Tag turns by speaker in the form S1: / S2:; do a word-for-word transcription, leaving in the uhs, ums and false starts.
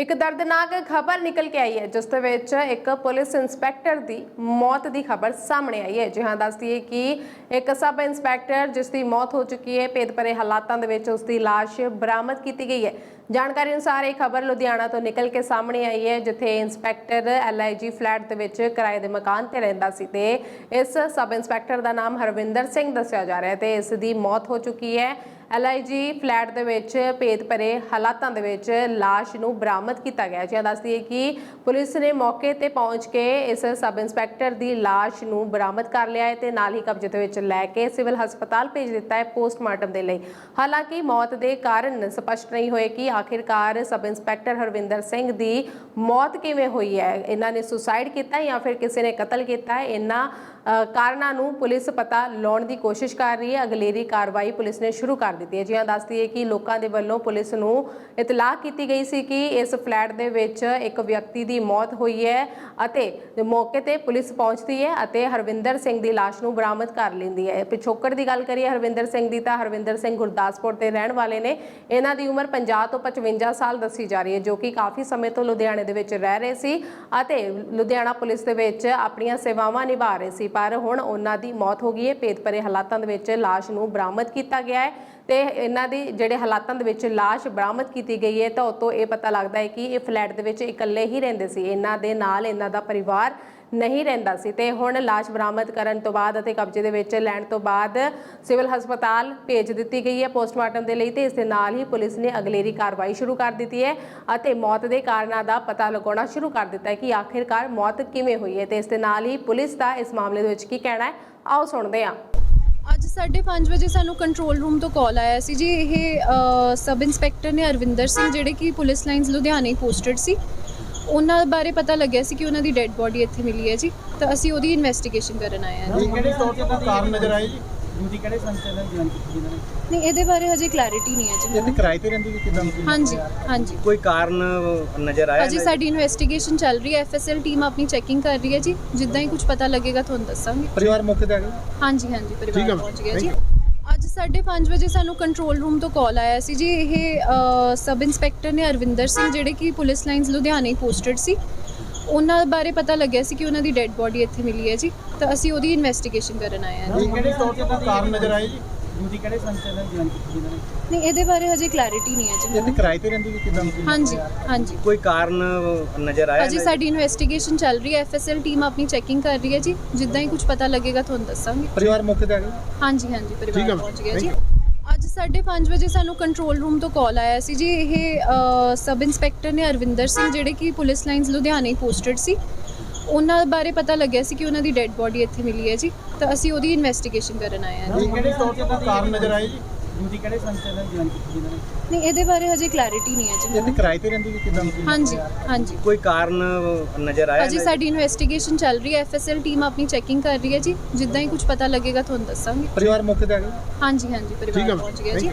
S1: एक दर्दनाक खबर निकल के आई है जिस दे विच एक पुलिस इंस्पैक्टर की मौत की खबर सामने आई है। जी हाँ, दस दिए कि एक सब इंस्पैक्टर जिसकी मौत हो चुकी है, भेद भरे हालातों दे विच उसकी लाश बरामद की गई है। जानकारी अनुसार ये खबर लुधियाना तो निकल के सामने आई है, जिथे inspector L I G flat दे विच किराए के मकान ते रहिंदा सी ते इस सब इंस्पैक्टर का नाम हरविंदर सिंह दस्सिया जा रहा है ते इस दी मौत हो चुकी है। एल आई जी फ्लैट दे विच भेद भरे हालातों दे विच लाश नूं बरामद किया गया। जी दस दिए कि पुलिस ने मौके ते पहुंच के इस सब इंस्पैक्टर की लाश नूं बरामद कर लिया है ते नाल ही कब्जे दे विच लैके सिविल हस्पताल भेज दिता है पोस्टमार्टम दे लई। हालांकि मौत के कारण स्पष्ट नहीं होए कि आखिरकार सब इंस्पैक्टर हरविंदर सिंह की मौत किवें हुई है। इन्हां ने सुसाइड किया या फिर किसी ने कतल किया है, इन्हां कारणों नूं पुलिस पता लाउण की कोशिश कर रही है। अगलेरी कार्रवाई पुलिस ने शुरू कर दी है। जी हाँ, दस दिए कि लोगों के वलों पुलिस नूं इतलाह की गई सी कि इस फ्लैट दे विच एक व्यक्ति की मौत हुई है अते मौके ते पुलिस पहुंचती है अते हरविंदर सिंह की लाश नूं बरामद कर लैंदी है। पिछोकड़ की गल करिए हरविंदर सिंह की, तो हरविंदर सिंह गुरदासपुर के रहने वाले ने। इन्हां दी उम्र पचास तो पचवंजा साल दसी जा रही है, जो कि काफ़ी समय तो लुधियाने दे विच रह रहे सी अते लुधियाना पुलिस दे विच अपणियां सेवावां निभा रहे सी, पर हुण उन्हां दी मौत हो गई है। भेद भरे हालातों दे विच लाश नूं बरामद किया गया है ते इन्हां दी जिहड़े हालातों दे विच लाश बरामद की गई है, तो उतों ये पता लगता है कि ये फ्लैट दे विच इकल्ले ही रहिंदे सी, इन्हां दे नाल इन्हां दा परिवार नहीं रहिंदा सी। ते हुण लाश बरामद करन तो बाद अते कब्जे दे विच लैण तो बाद सिविल हस्पताल भेज दित्ती गई है पोस्टमार्टम दे लई ते इस दे नाल ही पुलिस ने अगलेरी कार्रवाई शुरू कर दी है अते मौत के कारणों का पता लगाना शुरू कर दिता है कि आखिरकार मौत किवें हुई है। ते इस दे नाल ही पुलिस का इस मामले दे विच की कहना है, आओ सुणदे हां।
S2: ਅੱਜ साढ़े पाँच ਵਜੇ ਸਾਨੂੰ ਕੰਟਰੋਲ ਰੂਮ ਤੋਂ ਕਾਲ ਆਇਆ ਸੀ ਜੀ। ਇਹ ਸਬ ਇੰਸਪੈਕਟਰ ਨੇ ਅਰਵਿੰਦਰ ਸਿੰਘ ਜਿਹੜੇ ਕਿ ਪੁਲਿਸ ਲਾਈਨਸ ਲੁਧਿਆਣੇ ਪੋਸਟਡ ਸੀ, ਉਹਨਾਂ ਬਾਰੇ ਪਤਾ ਲੱਗਿਆ ਸੀ ਕਿ ਉਹਨਾਂ ਦੀ ਡੈੱਡ ਬੋਡੀ ਇੱਥੇ ਮਿਲੀ ਹੈ ਜੀ, ਤਾਂ ਅਸੀਂ ਉਹਦੀ ਇਨਵੈਸਟੀਗੇਸ਼ਨ ਕਰਨ ਆਏ ਹਾਂ ਜੀ।
S3: ਕਿਹੜੇ ਤੌਰ ਤੇ ਕੋਈ ਕਾਰਨ ਨਜ਼ਰ ਆਏ ਜੀ? ਡਿਊਟੀ ਕਿਹੜੇ ਸੰਚਾਲਨ ਦੀ ਕੀਤੀ ਇਹਨਾਂ ਨੇ?
S2: ਨਹੀਂ, ਇਹਦੇ ਬਾਰੇ ਹਜੇ ਕਲੈਰਿਟੀ ਨਹੀਂ ਹੈ ਜੀ।
S3: ਇਹ ਕਿਰਾਏ ਤੇ ਰਹਿੰਦੀ ਕਿ ਕਿਦਾਂ?
S2: ਹਾਂਜੀ ਹਾਂਜੀ,
S4: ਕੋਈ ਕਾਰਨ ਨਜ਼ਰ ਆਇਆ?
S2: ਅਜੇ ਸਾਡੀ ਇਨਵੈਸਟੀਗੇਸ਼ਨ ਚੱਲ ਰਹੀ ਹੈ, ਐਫ ਐਸ ਐਲ ਟੀਮ ਆਪਣੀ ਚੈਕਿੰਗ ਕਰ ਰਹੀ ਹੈ ਜੀ। ਜਿੱਦਾਂ ਹੀ ਕੁਝ ਪਤਾ ਲੱਗੇਗਾ ਤੁਹਾਨੂੰ ਦੱਸਾਂਗੇ।
S3: ਪਰਿਵਾਰ ਮੌਕੇ ਤੇ ਆ ਗਿਆ?
S2: ਹਾਂਜੀ ਹਾਂਜੀ, ਪਰਿਵਾਰ ਪਹੁੰਚ ਗਿਆ ਜੀ।
S3: Thank
S2: ਅੱਜ ਸਾਢੇ ਪੰਜ ਵਜੇ ਸਾਨੂੰ ਕੰਟਰੋਲ ਰੂਮ ਤੋਂ ਕਾਲ ਆਇਆ ਸੀ ਜੀ। ਇਹ ਸਬ ਇੰਸਪੈਕਟਰ ਨੇ ਅਰਵਿੰਦਰ ਸਿੰਘ ਜਿਹੜੇ ਕਿ ਪੁਲਿਸ ਲਾਈਨਸ ਲੁਧਿਆਣੇ ਪੋਸਟਡ ਸੀ, ਉਹਨਾਂ ਬਾਰੇ ਪਤਾ ਲੱਗਿਆ ਸੀ ਕਿ ਉਹਨਾਂ ਦੀ ਡੈੱਡ ਬੋਡੀ ਇੱਥੇ ਮਿਲੀ ਹੈ ਜੀ, ਤਾਂ ਅਸੀਂ ਉਹਦੀ ਇਨਵੈਸਟੀਗੇਸ਼ਨ ਕਰਨ ਆਏ ਹਾਂ ਜੀ।
S3: ਕਿਹੜੇ ਤੌਰ ਤੇ ਕੋਈ ਕਾਰਨ ਨਜ਼ਰ ਆਏ ਜੀ? ਡਿਊਟੀ ਕਿਹੜੇ ਸੰਚਾਲਨ ਦੀ ਕੀਤੀ ਇਹਨਾਂ ਨੇ?
S2: ਨਹੀਂ, ਇਹਦੇ ਬਾਰੇ ਹਜੇ ਕਲੈਰਿਟੀ ਨਹੀਂ ਹੈ ਜੀ।
S3: ਇਹ ਕਿਰਾਏ ਤੇ ਰਹਿੰਦੀ ਕਿ ਕਿਦਾਂ?
S2: ਹਾਂਜੀ ਹਾਂਜੀ,
S4: ਕੋਈ ਕਾਰਨ ਨਜ਼ਰ ਆਇਆ?
S2: ਅਜੇ ਸਾਡੀ ਇਨਵੈਸਟੀਗੇਸ਼ਨ ਚੱਲ ਰਹੀ ਹੈ, ਐਫ ਐਸ ਐਲ ਟੀਮ ਆਪਣੀ ਚੈਕਿੰਗ ਕਰ ਰਹੀ ਹੈ ਜੀ। ਜਿੱਦਾਂ ਹੀ ਕੁਝ ਪਤਾ ਲੱਗੇਗਾ ਤੁਹਾਨੂੰ ਦੱਸਾਂਗੇ।
S3: ਪਰਿਵਾਰ ਮੌਕੇ ਤੇ ਆ ਗਿਆ?
S2: ਹਾਂਜੀ ਹਾਂਜੀ, ਪਰਿਵਾਰ ਪਹੁੰਚ ਗਿਆ ਜੀ।
S3: Thank
S2: ਅੱਜ ਸਾਢੇ ਪੰਜ ਵਜੇ ਸਾਨੂੰ ਕੰਟਰੋਲ ਰੂਮ ਤੋਂ ਕਾਲ ਆਇਆ ਸੀ ਜੀ। ਇਹ ਸਬ ਇੰਸਪੈਕਟਰ ਨੇ ਅਰਵਿੰਦਰ ਸਿੰਘ ਜਿਹੜੇ ਕਿ ਪੁਲਿਸ ਲਾਈਨਸ ਲੁਧਿਆਣੇ ਪੋਸਟਡ ਸੀ, ਉਹਨਾਂ ਬਾਰੇ ਪਤਾ ਲੱਗਿਆ ਸੀ ਕਿ ਉਹਨਾਂ ਦੀ ਡੈੱਡ ਬੋਡੀ ਇੱਥੇ ਮਿਲੀ ਹੈ ਜੀ, ਤਾਂ ਅਸੀਂ ਉਹਦੀ ਇਨਵੈਸਟੀਗੇਸ਼ਨ ਕਰਨ ਆਏ ਹਾਂ ਜੀ।
S3: ਕਿਹੜੇ ਤੌਰ ਤੇ ਕੋਈ ਕਾਰਨ ਨਜ਼ਰ ਆਏ ਜੀ? ਡਿਊਟੀ ਕਿਹੜੇ ਸੰਚਾਲਨ ਦੀ ਕੀਤੀ ਇਹਨਾਂ ਨੇ?
S2: ਨਹੀਂ, ਇਹਦੇ ਬਾਰੇ ਹਜੇ ਕਲੈਰਿਟੀ ਨਹੀਂ ਹੈ ਜੀ।
S3: ਇਹ ਕਿਰਾਏ ਤੇ ਰਹਿੰਦੀ ਕਿ ਕਿਦਾਂ?
S2: ਹਾਂਜੀ ਹਾਂਜੀ,
S4: ਕੋਈ ਕਾਰਨ ਨਜ਼ਰ ਆਇਆ?
S2: ਅਜੇ ਸਾਡੀ ਇਨਵੈਸਟੀਗੇਸ਼ਨ ਚੱਲ ਰਹੀ ਹੈ, ਐਫ ਐਸ ਐਲ ਟੀਮ ਆਪਣੀ ਚੈਕਿੰਗ ਕਰ ਰਹੀ ਹੈ ਜੀ। ਜਿੱਦਾਂ ਹੀ ਕੁਝ ਪਤਾ ਲੱਗੇਗਾ ਤੁਹਾਨੂੰ ਦੱਸਾਂਗੇ।
S3: ਪਰਿਵਾਰ ਮੌਕੇ ਤੇ ਆ ਗਿਆ?
S2: ਹਾਂਜੀ ਹਾਂਜੀ, ਪਰਿਵਾਰ ਪਹੁੰਚ ਗਿਆ ਜੀ।